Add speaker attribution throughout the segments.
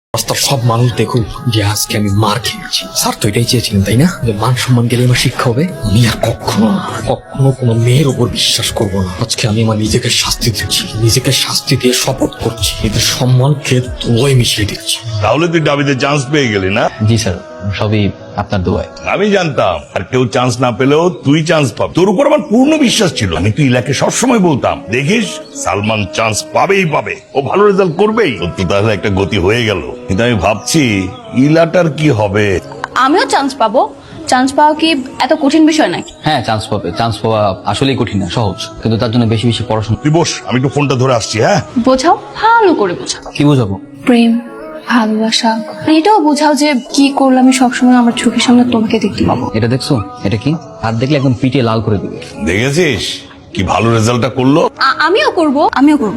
Speaker 1: রাস্তার সব মানুষ দেখুক যে আজকে আমি মার খেয়েছি। স্যার তো এটাই চেয়েছিলেন তাই না, যে মান সম্মান গেলে আমার শিক্ষা হবে। আমি আর কখনো কোনো মেয়ের উপর বিশ্বাস করবো না। আজকে আমি আমার নিজেকে শাস্তি দিচ্ছি, নিজেকে শাস্তি দিয়ে শপথ করছি, এদের সম্মানকে ধুলোয় মিশিয়ে দিচ্ছি।
Speaker 2: তাহলে তুই ডাবিতে চান্স পেয়ে গেলি না?
Speaker 3: জি স্যার, সবই আপনার দোয়ায়।
Speaker 2: আমি জানতাম আর কেউ চান্স না পেলেও তুই চান্স পাবি। তোর উপর আমার পূর্ণ বিশ্বাস ছিল। আমি তুই ইলাকে সবসময় বলতাম, দেখিস সালমান চান্স পাবেই পাবে, ও ভালো রেজাল্ট করবেই। তোর তো তাহলে একটা গতি হয়ে গেল। কিন্তু আমি ভাবছি ইলাটার কি হবে।
Speaker 4: আমিও চান্স পাবো। চান্স পাওয়া কি এত কঠিন বিষয় নাকি?
Speaker 3: হ্যাঁ, চান্স পাবে। চান্স পাওয়া আসলেই কঠিন না, সহজ, কিন্তু তার জন্য বেশি বেশি পড়াশোনা।
Speaker 2: তুই বস, আমি একটু ফোনটা ধরে আসছি। হ্যাঁ,
Speaker 4: বোঝাও, ভালো করে বোঝাও।
Speaker 3: কি বোঝাবো?
Speaker 4: প্রেম, ভালোবাসা, এটাও বোঝাও যে কি করলে আমি সবসময় আমার চোখের সামনে তোমাকে দেখতে পাবো।
Speaker 3: এটা দেখছো? এটা কি? আর দেখলে একদম পিটিয়ে লাল করে দিবে।
Speaker 2: দেখেছিস কি ভালো রেজাল্টটা করলো।
Speaker 4: আমিও করব।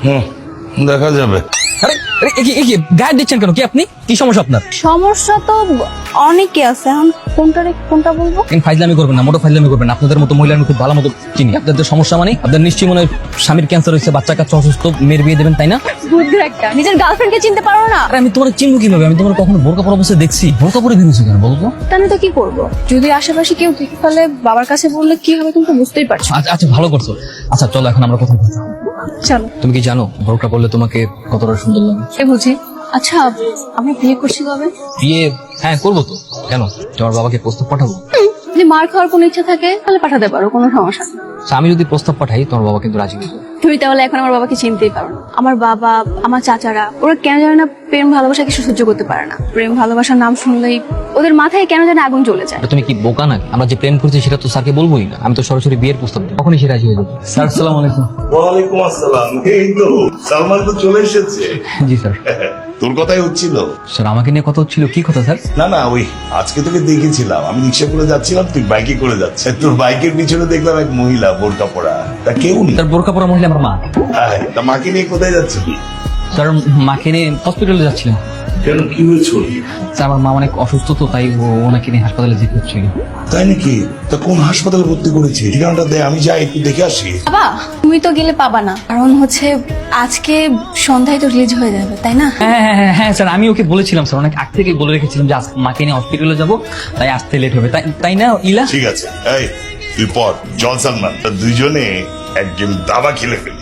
Speaker 2: দেখা যাবে।
Speaker 1: আরে আরে গায়ে দিচ্ছেন কেন? কি আপনি কি সমস্যা আপনার?
Speaker 4: সমস্যা তো অনেকে আছে, এখন কোনটা বলবো?
Speaker 1: ফাইজলামি করবেন না, মোটো ফাইজলামি করবেন না। আপনাদের মতো মহিলা আমি খুব ভালো মতো চিনি। আপনাদের সমস্যা মানে আপনার নিশ্চয়ই মনে হয় স্বামীর ক্যান্সার হয়েছে, বাচ্চা কাচ্চা অসুস্থ, মেয়ের বিয়ে দেবেন তাই না?
Speaker 4: বুদ্ধির একটা, নিজের গার্লফ্রেন্ডকে চিনতে পারো না?
Speaker 1: আরে আমি তোমার চিনবো কিভাবে? আমি তোমার কখনো বোরকা পরা অবস্থায় দেখছি? বোরকা পরে বেরিয়েছো কেন বলতো?
Speaker 4: তাহলে তো কি করবো? যদি আশেপাশে কেউ দেখে ফেলে, বাবার কাছে বললে কি হবে তুমি তো বুঝতেই পারছো।
Speaker 1: আচ্ছা আচ্ছা, ভালো করছো। আচ্ছা চলো এখন আমরা কথা বলছি।
Speaker 4: চলো।
Speaker 1: তুমি কি জানো বোরকা পরলে তোমাকে কতটা সুন্দর লাগে?
Speaker 4: সে বুঝি। আচ্ছা, আমি বিয়ে করছি কবে?
Speaker 1: বিয়ে? হ্যাঁ করবো তো। কেন, তোমার বাবাকে প্রস্তাব পাঠাবো?
Speaker 4: যদি মার খাওয়ার কোনো ইচ্ছা থাকে তাহলে পাঠাতে পারো, কোনো সমস্যা নেই।
Speaker 1: আচ্ছা, আমি যদি প্রস্তাব পাঠাই তোমার বাবা কিন্তু রাজি হয়ে যাবে।
Speaker 4: তুমি তাহলে এখন আমার বাবাকে চিনতেই পারো না। আমার বাবা, আমার চাচারা, ওরা কেন জানে না প্রেম ভালোবাসা কিছু সহ্য করতে পারে না। প্রেম ভালোবাসার নাম শুনলেই ওদের মাথায় কেন জানে আগুন জ্বলে যায়।
Speaker 1: এটা তুমি কি বোকা নাকি? আমরা যে প্রেম করছি সেটা তো স্যারকে বলবোই না। আমি তো সরাসরি বিয়ের প্রস্তাব দিই, কখনই সে রাজি হয়ে যাবে। স্যার আসসালামু আলাইকুম।
Speaker 2: ওয়ালাইকুম আসসালাম। এই তো সালমান তো চলে এসেছে।
Speaker 1: জি স্যার।
Speaker 2: তোর কথাই হচ্ছিল।
Speaker 1: স্যার আমাকে নিয়ে কথা হচ্ছিল? কি কথা স্যার?
Speaker 2: না না, ওই আজকে তোকে দেখেছিলাম, আমি রিক্সা করে যাচ্ছিলাম, তুই বাইকে করে যাচ্ছিস। তোর বাইকের পিছনে দেখলাম এক মহিলা বোরকা পরা। তা কেউ নেই?
Speaker 1: স্যার বোরকা পরা মহিলা আমার মা।
Speaker 2: হ্যাঁ, তা মাকে নিয়ে কোথায় যাচ্ছিলি?
Speaker 1: স্যার মাকে নিয়ে হসপিটালে যাচ্ছিলাম।
Speaker 2: কেন, কি হয়েছিল?
Speaker 1: স্যার আমার মা অনেক অসুস্থ তো, তাই ওনাকে নিয়ে হাসপাতালে যেতে হচ্ছিল।
Speaker 2: তাই নাকি? তা কোন হাসপাতালে ভর্তি করেছি? ঠিকানাটা দে, আমি যাই একটু দেখে আসি।
Speaker 4: বাবা, তুমি তো গেলে পাবা না, কারণ হচ্ছে আজকে সন্ধ্যায় তো রিলিজ হয়ে যাবে, তাই না?
Speaker 1: হ্যাঁ হ্যাঁ হ্যাঁ হ্যাঁ স্যার, আমি ওকে বলেছিলাম স্যার, অনেক আগ থেকে বলে রেখেছিলাম যে মাকে নিয়ে হসপিটালে যাবো, তাই আসতে লেট হবে। তাই না ইলা?
Speaker 2: ঠিক আছে, এই তুই পর জল সালমান, তা দুইজনে একজন দাবা খেলে ফেলি।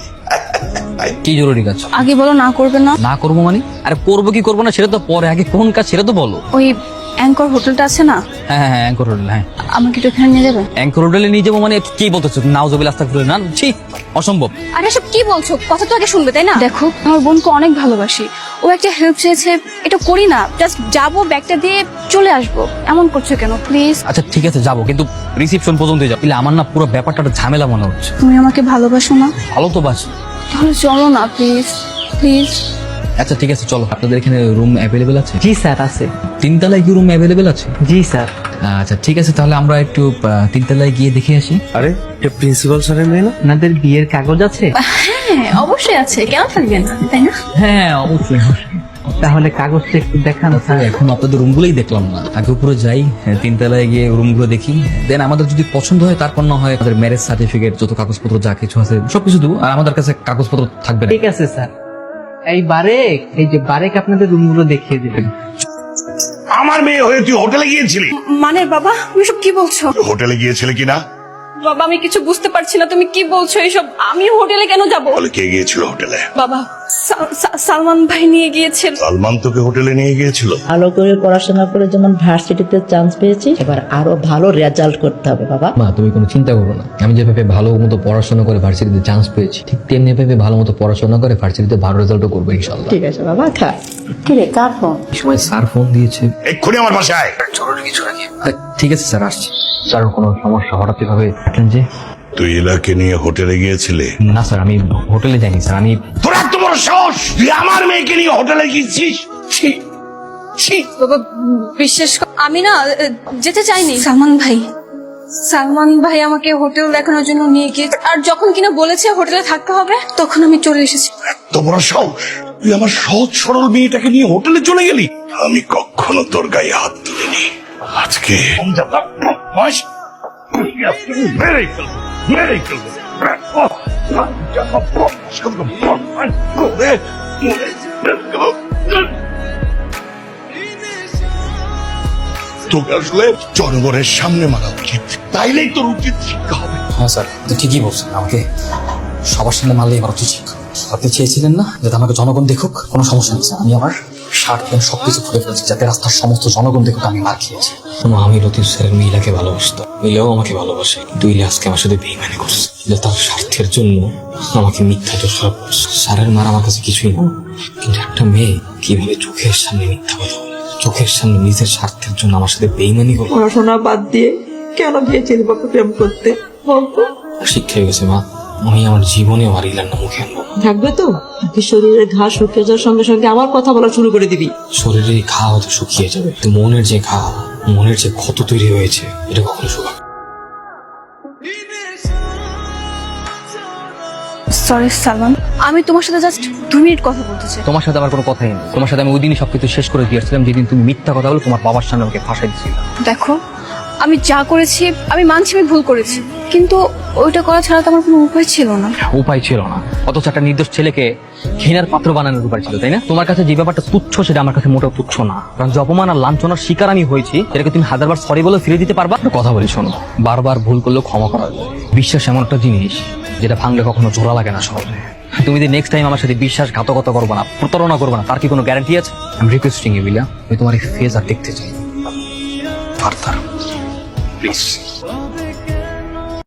Speaker 1: কি জরুরি কাজ?
Speaker 4: আগে বলো না করবে না।
Speaker 1: না করবো মানে? আরে করবো কি করবো না সেটা তো পরে, আগে কোন কাজ সেটা তো বলো।
Speaker 4: ওই অ্যাঙ্কর হোটেলটা আছে না,
Speaker 1: হ্যাঁ হ্যাঁ হ্যাঁ, অ্যাঙ্কর হোটেল। হ্যাঁ,
Speaker 4: আমাকে একটু এখানে নিয়ে যাবে?
Speaker 1: অ্যাঙ্কর হোটেলে নিয়ে যাবো মানে কি বলতেছো? নাউজুবিল্লাহ আস্তাগফিরুল্লাহ, না ছি, অসম্ভব।
Speaker 4: আরে এসব কি বলছো? কথা তো আগে শুনবে, তাই না? দেখো, আমার বোনকে অনেক ভালোবাসি, ও একটা হেল্প চেয়েছে, এটা করি না, জাস্ট যাবো, ব্যাগটা দিয়ে চলে আসবো। এমন করছো কেন প্লিজ?
Speaker 1: আচ্ছা ঠিক আছে যাবো, কিন্তু রিসিপশন পর্যন্ত যাবো। আমার না পুরো ব্যাপারটা একটা ঝামেলা মনে হচ্ছে।
Speaker 4: তুমি আমাকে ভালোবাসো না?
Speaker 1: ভালো তো বাসি।
Speaker 4: তাহলে চলো না প্লিজ, প্লিজ।
Speaker 1: আচ্ছা ঠিক আছে চলো। আপনাদের এখানে রুম অ্যাভেলেবেল আছে?
Speaker 5: জি স্যার আছে।
Speaker 1: তিনতলায় কি রুম অ্যাভেলেবেল আছে?
Speaker 5: জি স্যার।
Speaker 1: আচ্ছা ঠিক আছে, তাহলে আমরা একটু তিনতলায় গিয়ে দেখে আসি।
Speaker 5: আরে এটা প্রিন্সিপাল স্যারের মেয়ে না? আপনাদের বিয়ের কাগজ আছে?
Speaker 4: হ্যাঁ অবশ্যই আছে, কেন থাকবে না, তাই না?
Speaker 1: হ্যাঁ অবশ্যই।
Speaker 5: তাহলে কাগজটা একটু দেখান স্যার।
Speaker 1: এখন আপনাদের রুমগুলোই দেখলাম না, আগে উপরে যাই, তিনতলায় গিয়ে রুমগুলো দেখি, দেন আমাদের যদি পছন্দ হয়, তারপর না হয় আমাদের ম্যারেজ সার্টিফিকেট, যত কাগজপত্র যা কিছু আছে সবকিছু দেবো। আর আমাদের কাছে কাগজপত্র থাকবে না।
Speaker 5: ঠিক আছে স্যার। এই বারেক, এই যে বারেক আপনাদের রুমগুলো দেখিয়ে দিবেন।
Speaker 2: আমার মেয়ে হয়ে তুই হোটেলে গিয়েছিলি?
Speaker 4: মানে বাবা, তুমি সব কি বলছো?
Speaker 2: হোটেলে গিয়েছিলে কিনা?
Speaker 4: বাবা আমি কিছু বুঝতে পারছি না, তুমি কি বলছো এইসব? আমি হোটেলে কেন যাব?
Speaker 2: বলে কে গিয়েছিল হোটেলে?
Speaker 4: বাবা, সালমান ভাই নিয়ে গিয়েছিল।
Speaker 2: সালমান তোকে হোটেলে নিয়ে গিয়েছিল?
Speaker 6: ভালো করে পড়াশোনা করে যেমন ভার্সিটিতে চান্স পেয়েছি, এবার আরো ভালো রেজাল্ট করতে হবে বাবা।
Speaker 1: মা তুমি কোনো চিন্তা করো না, আমি যেভাবে ভালো মতো পড়াশোনা করে ভার্সিটিতে চান্স পেয়েছি, ঠিক তেমনি ভাবে ভালো মতো পড়াশোনা করে ভার্সিটিতে ভালো রেজাল্টও করবো ইনশাল্লাহ।
Speaker 6: ঠিক আছে বাবা, খা। কি রে, কার ফোন?
Speaker 1: এই সময় স্যার ফোন দিয়েছে।
Speaker 2: এক্ষুনি আমার বাসায়।
Speaker 1: ঠিক আছে স্যার, আসছি। স্যার কোনো সমস্যা হঠাৎ এভাবে থাকলেন যে?
Speaker 2: তুই ইলাকে নিয়ে হোটেলে গিয়েছিলে?
Speaker 1: না স্যার, আমি হোটেলে যাইনি স্যার। আমি
Speaker 2: তোর এত বড় সাহস, তুই আমার মেয়েকে নিয়ে হোটেলে গিয়েছিস? ছি, ছি।
Speaker 4: বাবা বিশ্বাস আমি না যেতে চাইনি। সালমান ভাই আমাকে হোটেল দেখানোর জন্য নিয়ে গিয়ে, আর যখন কিনা বলেছে হোটেলে থাকতে হবে, তখন আমি চলে এসেছি।
Speaker 2: এত বড় সাহস, তুই আমার সহজ সরল মেয়েটাকে নিয়ে হোটেলে চলে গেলি? আমি কখনো তোর গায়ে হাত তুলিনি, আজকে মেরেই ফেলবো, মেরেই ফেলবো। তোকে আসলে জনগণের সামনে মারা উচিত, তাইলেই তোর উচিত শিক্ষা হবে।
Speaker 1: হ্যাঁ স্যার, তো ঠিকই বলছেন। আমাকে সবার সামনে মারলে এবার উচিত শিক্ষা। আপনি চেয়েছিলেন না যাতে আমাকে জনগণ দেখুক? কোনো সমস্যা নেই স্যার, আমি আমার শার্ট প্যান্ট সবকিছু খুলে ফেলেছি যাতে রাস্তার সমস্ত জনগণ দেখুক আমি মার খেয়েছি। আমি লতিফ স্যারের মিলাকে ভালোবাসতো, মিলেও আমাকে ভালোবাসে, কিন্তু ইলিয়াসকে আমার সাথে বেইমানি করছে। যে তার স্বার্থের জন্য আমাকে মিথ্যা দোষারোপ করছে। স্যারের মার আমার কাছে কিছুই না, কিন্তু একটা মেয়ে কিভাবে চোখের সামনে মিথ্যা কথা বলে, চোখের সামনে নিজের স্বার্থের জন্য আমার সাথে বেইমানি করবে।
Speaker 7: পড়াশোনা বাদ দিয়ে কেন গিয়েছিল বাপু প্রেম করতে বলতো?
Speaker 1: শিক্ষা হয়ে গেছে মা, আমি আমার জীবনে আর ইলার না মুখে আনবো না।
Speaker 7: থাকবে তো নাকি শরীরের ঘা শুকিয়ে যাওয়ার সঙ্গে সঙ্গে আমার কথা বলা শুরু করে দিবি?
Speaker 1: শরীরের এই ঘা হয়তো শুকিয়ে যাবে, কিন্তু মনের যে ঘা, মনের যে ক্ষত তৈরি হয়েছে, এটা কখনো শুকাবে না।
Speaker 4: সরি সালমান, আমি তোমার সাথে জাস্ট 2 মিনিট কথা বলতে চাই।
Speaker 3: তোমার সাথে আমার কোনো কথাই নেই। তোমার সাথে আমি ওই দিনই সবকিছু শেষ করে দিয়েছিলাম, যেদিন তুমি মিথ্যা কথা বলে তোমার বাবার সামনে আমাকে ফাঁসাই দিয়েছিল।
Speaker 4: দেখো, আমি যা করেছি আমি মানছি আমি ভুল করেছি, কিন্তু ওইটা করা ছাড়া তো আমার কোনো উপায় ছিল না।
Speaker 3: উপায় ছিল না, অথচ একটা নির্দোষ ছেলেকে ঘৃণার পাত্র বানানোর উপায় ছিল, তাই না? তোমার কাছে যে ব্যাপারটা তুচ্ছ, সেটা আমার কাছে মোটেও তুচ্ছ না। কারণ যে অপমান আর লাঞ্ছনার শিকার আমি হয়েছি, সেটাকে তুমি 1000বার সরি বলে ফিরে দিতে পারবা? একটা কথা বলি শোনো, বারবার ভুল করলেও ক্ষমা করা যায়। বিশ্বাস এমন একটা জিনিস যেটা ভাঙলে কখনো জোড়া লাগে না সহজে। তুমি যদি নেক্সট টাইম আমার সাথে বিশ্বাসঘাতকতা করবে না, প্রতারণা করবে না, তার কি কোনো গ্যারান্টি আছে? আমি রিকোয়েস্টিং ইউ বিলা, আমি তোমার এই ফেজ আর দেখতে চাই।
Speaker 1: Further please.